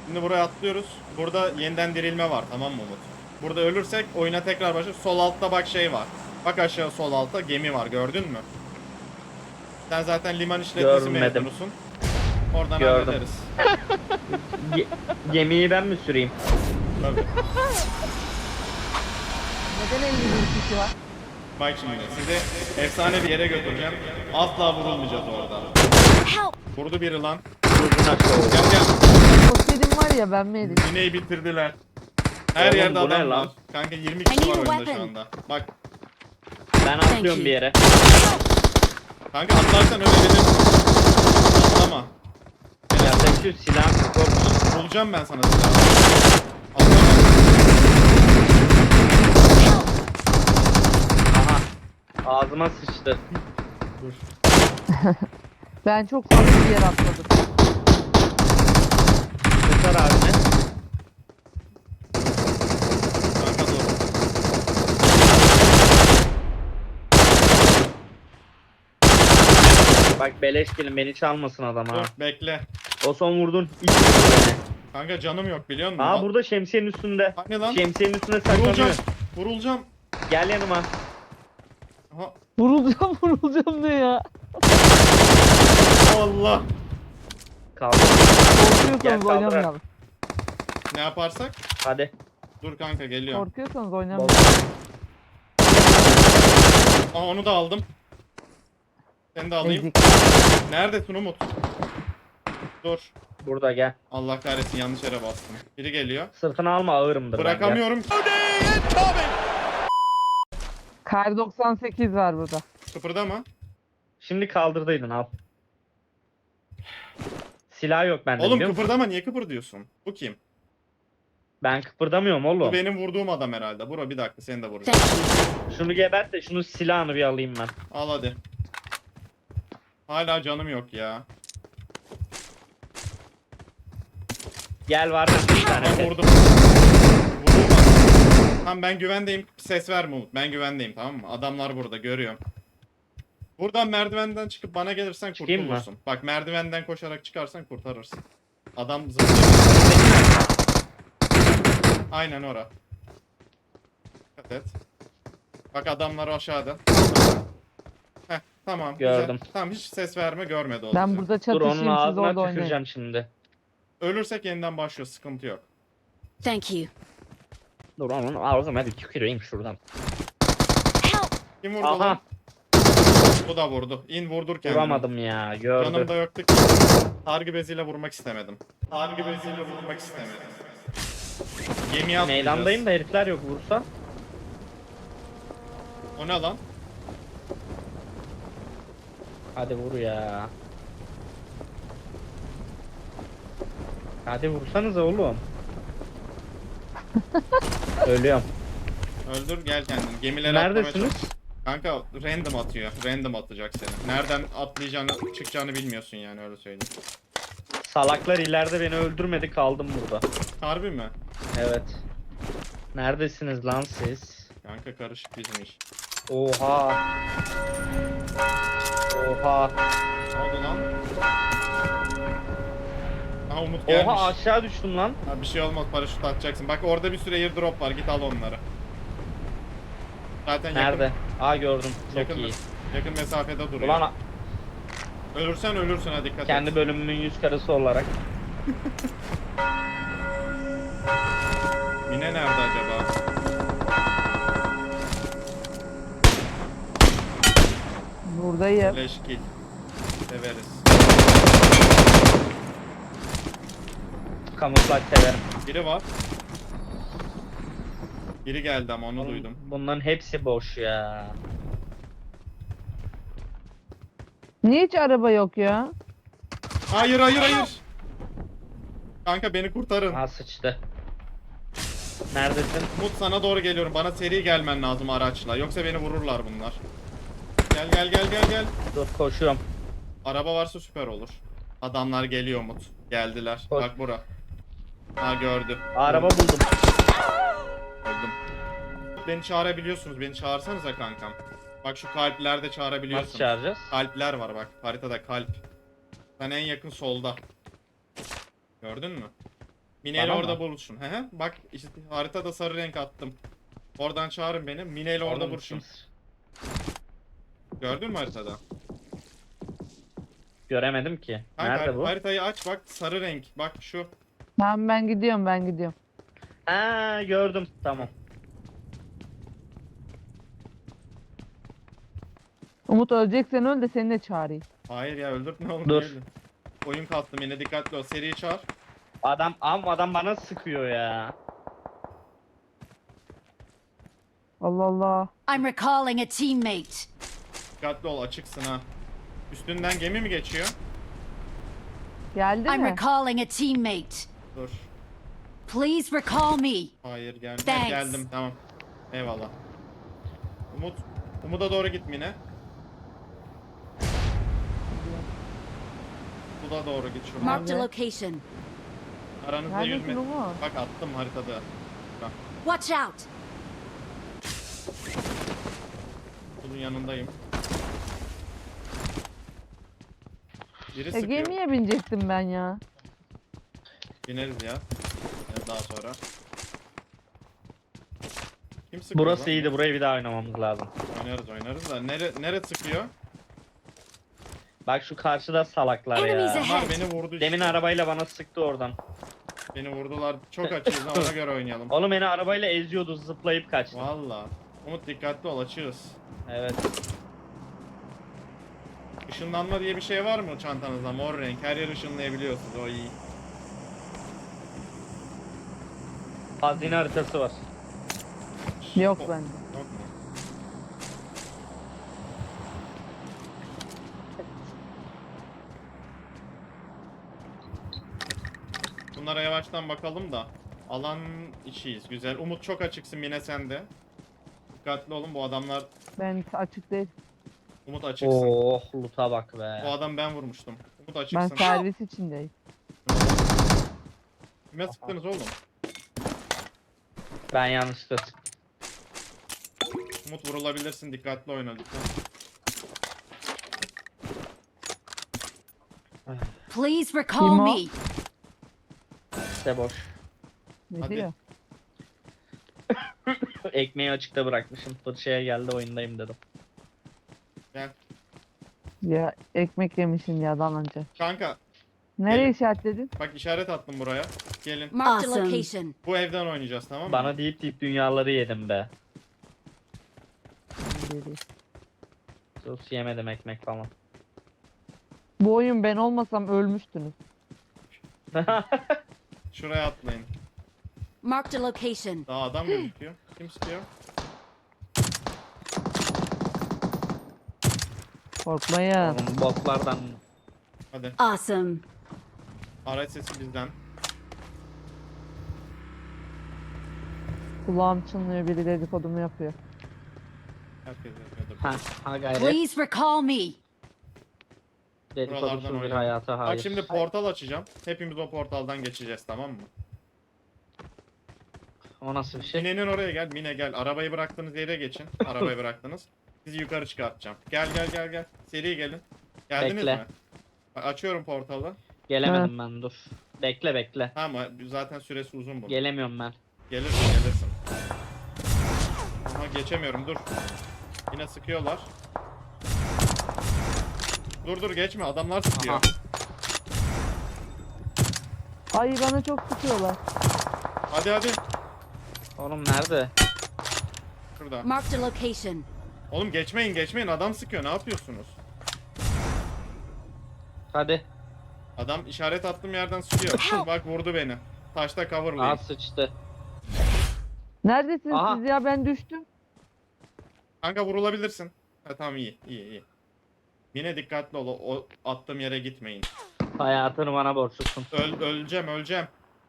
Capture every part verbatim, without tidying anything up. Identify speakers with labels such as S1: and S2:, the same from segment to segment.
S1: Şimdi buraya atlıyoruz. Burada yeniden dirilme var, tamam mı Umut? Burada ölürsek oyuna tekrar başlar. Sol altta bak şey var. Bak aşağı sol altta gemi var, gördün mü? Sen zaten liman işletmesi
S2: Görmedim.
S1: mezunusun. Oradan
S2: Gördüm.
S1: hallederiz.
S2: Ge- gemiyi ben mi süreyim?
S1: Tabii.
S3: Neden elli bir kişi var?
S1: Bak şimdi sizi efsane bir yere götüreceğim. Asla vurulmayacağız orada. Vurdu biri lan.
S2: Uzun aşağı oldu.
S1: Gel gel.
S3: O senin var ya ben mi yedim?
S1: Mineyi bitirdiler. Her
S2: Oğlum,
S1: yerde
S2: bu ne
S1: adam
S2: lan?
S1: var. Kanka yirmi kişi
S4: I
S1: var
S4: need a
S1: oyunda şu
S4: weapon.
S1: anda. Bak
S2: Ben atlıyorum bir yere.
S1: kanka atlarsan ölebilirim. Atlama.
S2: Ya sen şu silahı korkma.
S1: Bulacağım ben sana silahı. Atlama.
S2: Aha. Ağzıma sıçtı.
S1: Dur.
S3: Ben çok fazla bir yer atladım.
S2: Kurtar abine.
S1: Kanka dur.
S2: Bak beleş gelin beni çalmasın adam ha.
S1: Dur bekle.
S2: O son vurdun. İlk vurdun beni.
S1: Kanka canım yok biliyor musun?
S2: Aa burada şemsiyenin üstünde.
S1: Hani lan?
S2: Şemsiyenin üstünde
S1: Vurulacağım.
S2: saklanıyor.
S1: Vurulacağım.
S2: Gel yanıma.
S1: Aha.
S3: Vurulacağım vurulacağım ne ya?
S1: Allah.
S2: Kaldı. Gel,
S3: Korkuyorsanız
S2: kaldır.
S3: oynamayalım.
S1: Ne yaparsak?
S2: Hadi.
S1: Dur kanka geliyorum.
S3: Korkuyorsanız oynamayalım.
S1: Aa onu da aldım. Seni de alayım.
S3: Ezik.
S1: Neredesin Umut? Dur.
S2: Burada gel.
S1: Allah kahretsin yanlış yere bastım. Biri geliyor.
S2: Sırtını alma ağırımdır. ben, gel.
S1: Bırakamıyorum.
S3: Kar doksan sekiz var burada.
S1: Kıpırdama.
S2: Şimdi kaldırdıydın al. Silah yok bende
S1: Oğlum
S2: biliyor musun?
S1: kıpırdama, niye kıpırdıyorsun? Bu kim?
S2: Ben kıpırdamıyorum
S1: Bu
S2: oğlum.
S1: benim vurduğum adam herhalde. Bura bir dakika seni de vuracağım.
S4: Thank you.
S2: Şunu gebert de şunu silahını bir alayım ben.
S1: Al hadi. Hala canım yok ya.
S2: Gel var mı bir tane?
S1: Ben
S2: set.
S1: vurdum. Vurdum adam. Tamam ben güvendeyim. Ses verme Umut. Ben güvendeyim, tamam mı? Adamlar burada, görüyorum. Buradan merdivenden çıkıp bana gelirsen
S2: Çıkayım mı?
S1: kurtulursun. Bak merdivenden koşarak çıkarsan kurtarırsın. Adam zıplıyor. Aynen ora. Dikkat et. Bak adamlar aşağıda. Heh tamam.
S2: Gördüm.
S1: Güzel. Tamam hiç ses verme, görmedi o
S3: Ben
S1: bizi.
S3: burada
S2: Dur onun
S3: çatışayım siz
S2: ağzına
S3: orada oynayın.
S2: tüküreceğim şimdi.
S1: Ölürsek yeniden başlıyor, sıkıntı yok.
S4: Thank you.
S2: Dur onun ağzına bir tüküreyim şuradan.
S4: Help!
S1: Kim vurdu
S2: Aha
S1: lan? Bu da vurdu. İn vurdur kendini.
S2: vuramadım ya
S1: Canım
S2: gördü.
S1: da yoktu ki. Sargı beziyle vurmak istemedim. Sargı beziyle vurmak istemedim. Gemiye atlayacağız.
S2: Meydandayım da herifler yok vursa.
S1: O ne lan?
S2: Hadi vur ya. Hadi vursanıza oğlum. Ölüyorum.
S1: Öldür gel kendini. Gemilere atlamaya
S2: Neredesiniz?
S1: çalış. Kanka random atıyor. Random atacak seni. Nereden atlayacağını, çıkacağını bilmiyorsun yani, öyle söyleyeyim.
S2: Salaklar ileride beni öldürmedi kaldım burada.
S1: Harbi mi?
S2: Evet. Neredesiniz lan siz?
S1: Kanka karışık bizim iş.
S2: Oha. Oha.
S1: Ne oldu lan? Aha Umut gelmiş.
S2: Oha aşağı düştüm lan.
S1: Ha, bir şey olmaz, paraşüt atacaksın. Bak orada bir sürü airdrop var, git al onları. Zaten yakın,
S2: Nerede? Aa gördüm. Çok
S1: yakın,
S2: iyi.
S1: yakın mesafede duruyor.
S2: Ulan
S1: Ölürsen ölürsün, ha dikkat
S2: kendi
S1: et.
S2: bölümümün yüz karısı olarak.
S1: Mine nerede acaba?
S3: Buradayım.
S1: Leş kill. Severiz.
S2: Kamuflaj severim.
S1: Biri var. Biri geldi ama onu
S2: Oğlum,
S1: duydum.
S2: Bunların hepsi boş ya.
S3: Niye hiç araba yok ya?
S1: Hayır hayır hayır. Kanka beni kurtarın.
S2: Ha sıçtı. Neredesin?
S1: Umut sana doğru geliyorum. Bana seri gelmen lazım araçla. Yoksa beni vururlar bunlar. Gel gel gel gel gel.
S2: Dur koşuyorum.
S1: Araba varsa süper olur. Adamlar geliyor Umut. Geldiler.
S2: Koş.
S1: Bak bura. Ha gördü.
S2: Araba buldum.
S1: Öldüm. Beni çağırabiliyorsunuz. Beni çağırsanıza kankam. Bak şu kalplerde çağırabiliyorsunuz.
S2: Nasıl çağıracağız?
S1: Kalpler var bak. Haritada kalp. Sen en yakın solda. Gördün mü? Mine ile
S2: Bana
S1: orada
S2: mı?
S1: buluşun. He he. Bak işte haritada sarı renk attım. Oradan çağırın beni. Mine ile orada
S2: Oğlum,
S1: buluşun.
S2: kim-
S1: Gördün mü haritada?
S2: Göremedim ki.
S1: Kanka
S2: Nerede bu?
S1: haritayı aç bak sarı renk. Bak şu.
S3: Tamam ben gidiyorum ben gidiyorum.
S2: Ha gördüm. Tamam.
S3: Umut öleceksen öl de seni de çağırayım.
S1: Hayır ya öldürtme oğlum.
S2: Dur.
S1: niye? Oyun kalktım yine dikkatli ol. Seriyi çağır.
S2: Adam am adam bana sıkıyor ya.
S3: Allah Allah.
S4: I'm recalling a teammate.
S1: Dikkatli ol açıksın ha. Üstünden gemi mi geçiyor?
S3: Geldi
S4: I'm
S3: mi?
S4: recalling a teammate.
S1: Dur.
S4: Please recall me.
S1: Hayır geldim.
S4: Thanks.
S1: Geldim tamam. Eyvallah. Umut. Umut'a doğru git Mine. Bu da doğru git şuradan.
S4: Marked a
S3: Nerede?
S4: location.
S1: Aranızda yüz
S3: Neredesin
S1: metre.
S3: Umut?
S1: Bak attım haritada. Bak
S4: Watch out.
S1: bunun yanındayım. Biri
S3: E,
S1: sıkıyor.
S3: gemiye binecektim ben ya.
S1: Bineriz ya. Ya daha sonra. Kim sıkıyor
S2: Burası
S1: lan?
S2: iyiydi. Burayı bir daha oynamamız lazım.
S1: Oynarız oynarız da. Nere, nere sıkıyor?
S2: Bak şu karşıda salaklar
S4: Enemies
S2: ya.
S4: ahead.
S1: Bunlar beni vurdu işte.
S2: Demin arabayla bana sıktı oradan.
S1: Beni vurdular. Çok açığız ha, ona göre oynayalım.
S2: Oğlum beni arabayla eziyordu, zıplayıp kaçtı.
S1: Valla. Umut dikkatli ol açığız.
S2: Evet.
S1: Işınlanma diye bir şey var mı çantanızda? Mor renk. Her yer ışınlayabiliyorsunuz. O iyi.
S2: Hazine haritası var.
S3: Yok
S1: O-
S3: bende.
S1: Yok mu? Bunlara yavaştan bakalım da. Alan içiyiz. Güzel. Umut çok açıksın yine sende. Dikkatli olun bu adamlar.
S3: Ben açık değil.
S1: Umut açıksın.
S2: Oh loot'a bak
S1: Bu
S2: be.
S1: adam ben vurmuştum. Umut
S3: Ben
S1: açıksın.
S3: servis içindeyim.
S1: Kime sıktınız oğlum?
S2: Ben yanlışlıkla sıktım.
S1: Umut vurulabilirsin. Dikkatli oyna lütfen.
S4: Please recall
S3: Kim o?
S4: me.
S2: İşte boş.
S3: Ne
S1: Hadi.
S3: diyor?
S2: Ekmeği açıkta bırakmışım. Fırçaya geldi oyundayım dedim.
S1: Gel.
S3: Ya ekmek yemişsin ya dan önce.
S1: Kanka
S3: Nereye
S1: Gelin.
S3: işaretledin?
S1: bak işaret attım buraya. Gelin.
S4: Marked a
S1: Hmm.
S4: Awesome. location.
S1: Bu evden oynayacağız tamam mı?
S2: Bana deyip deyip dünyaları yedim be.
S3: Geri.
S2: Sus yemedim ekmek falan.
S3: Bu oyun ben olmasam ölmüştünüz.
S1: Şuraya atlayın.
S4: Marked a location.
S1: Daha adam gözüküyor. Kim sıkıyor?
S3: Korkmayın.
S2: Oğlum botlardan
S1: Hadi.
S4: Awesome.
S1: Araç sesi bizden.
S3: Kulağım çınlıyor biri dedikodumu yapıyor.
S1: Herkes yapıyordur.
S2: ha, ha gayret.
S4: Please recall me.
S2: Dedikodusuz bir
S1: oynayalım.
S2: hayata hayır.
S1: Bak şimdi portal açacağım. Hepimiz o portaldan geçeceğiz tamam mı?
S2: O nasıl bir şey?
S1: Mine'nin oraya gel. Mine gel. Arabayı bıraktığınız yere geçin. Arabayı bıraktınız. Sizi yukarı çıkartacağım. Gel gel gel gel. Seri gelin. Geldiniz
S2: Bekle.
S1: mi? Bak, açıyorum portalı.
S2: Gelemedim ben dur. Bekle bekle.
S1: Tamam zaten süresi uzun bu.
S2: Gelemiyorum ben.
S1: Gelirsin gelirsin. Aha geçemiyorum dur. Yine sıkıyorlar. Dur dur geçme adamlar sıkıyor.
S2: Aha.
S3: Ay bana çok sıkıyorlar.
S1: Hadi hadi.
S2: Oğlum nerede?
S1: Şurada.
S4: Marked a location.
S1: Oğlum geçmeyin geçmeyin adam sıkıyor ne yapıyorsunuz?
S2: Hadi.
S1: Adam işaret attığım yerden sıkıyor. Bak vurdu beni. Taşta
S2: Aa
S1: coverlayın.
S2: sıçtı.
S3: Neredesiniz
S2: Aha.
S3: siz ya ben düştüm.
S1: Kanka vurulabilirsin. Ha tamam iyi iyi iyi. Yine dikkatli ol o, o attığım yere gitmeyin.
S2: Hayatını bana borçlusun.
S1: Öl, öleceğim öleceğim.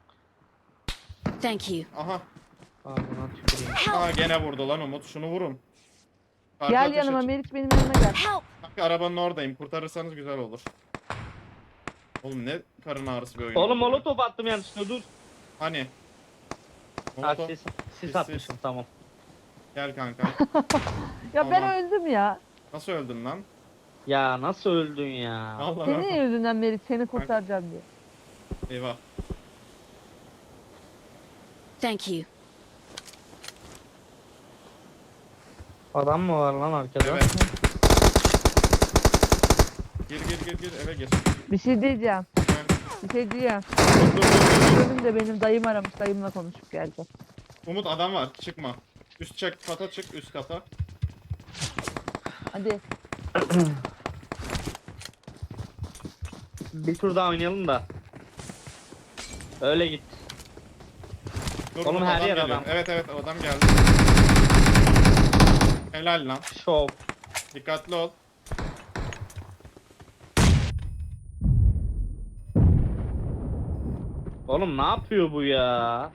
S4: Thank you.
S1: Aha.
S2: Ağzına tüküreyim.
S1: Aha gene vurdu lan Umut şunu vurun. Karşı
S3: Gel
S1: ateş
S3: yanıma
S1: aç-
S3: Meriç benim yanıma gel.
S4: Help.
S1: Kanka arabanın oradayım kurtarırsanız güzel olur. Oğlum ne karın ağrısı bir oyun.
S2: Oğlum
S1: oldu ya.
S2: molotof attım yanlışlıkla dur.
S1: Hani?
S2: Ha
S1: Molotov-
S2: sis,
S1: Sis,
S2: sis
S1: sis.
S2: atmışım tamam.
S1: Gel kanka.
S3: Ya ben
S1: Tamam.
S3: öldüm ya.
S1: Nasıl öldün lan?
S2: Ya nasıl öldün ya?
S1: Allah
S3: Senin yüzünden Meriç seni kurtaracağım diye.
S1: Eyvah.
S4: Thank you.
S2: Adam mı var lan arkada?
S1: Evet. Gir gir gir gir eve gir.
S3: Bir şey diyeceğim.
S1: Gel.
S3: Bir şey diyeceğim.
S1: Dur dur dur. dur.
S3: Önümde benim dayım aramış. Dayımla konuşup geldi.
S1: Umut adam var çıkma. Üst çek kata çık üst kata.
S3: Hadi.
S2: Bir tur daha oynayalım da. Öyle git.
S1: Dur,
S2: Oğlum,
S1: Umut,
S2: her yer
S1: geliyor.
S2: adam.
S1: Evet evet adam geldi. Helal lan.
S2: Şov.
S1: Dikkatli ol.
S2: Oğlum ne yapıyor bu ya?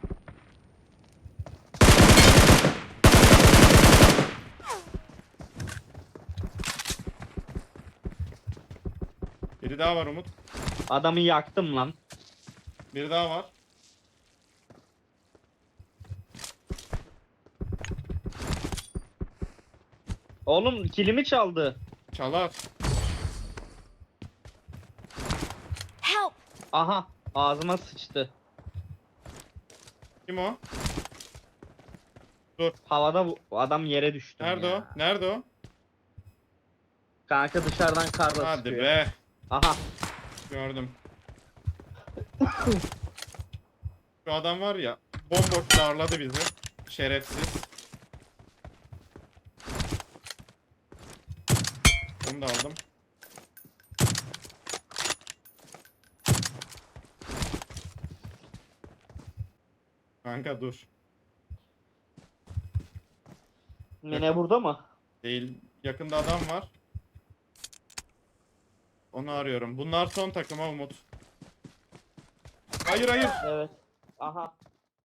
S1: Biri daha var Umut.
S2: Adamı yaktım lan.
S1: Biri daha var.
S2: Oğlum kilimi çaldı.
S1: Çalar.
S4: Help!
S2: Aha ağzıma sıçtı.
S1: Kim o?
S2: Havada bu adam yere düştü.
S1: Nerede
S2: ya.
S1: o? Nerede o?
S2: Kanka dışarıdan karla
S1: Hadi
S2: sıkıyor.
S1: be.
S2: Aha.
S1: Gördüm. Şu adam var ya. Bomboş darladı bizi. Şerefsiz. Onu da aldım. Kanka dur.
S2: Mine burada mı?
S1: Değil. Yakında adam var. Onu arıyorum. Bunlar son takıma Umut. Hayır hayır.
S2: Evet. Aha.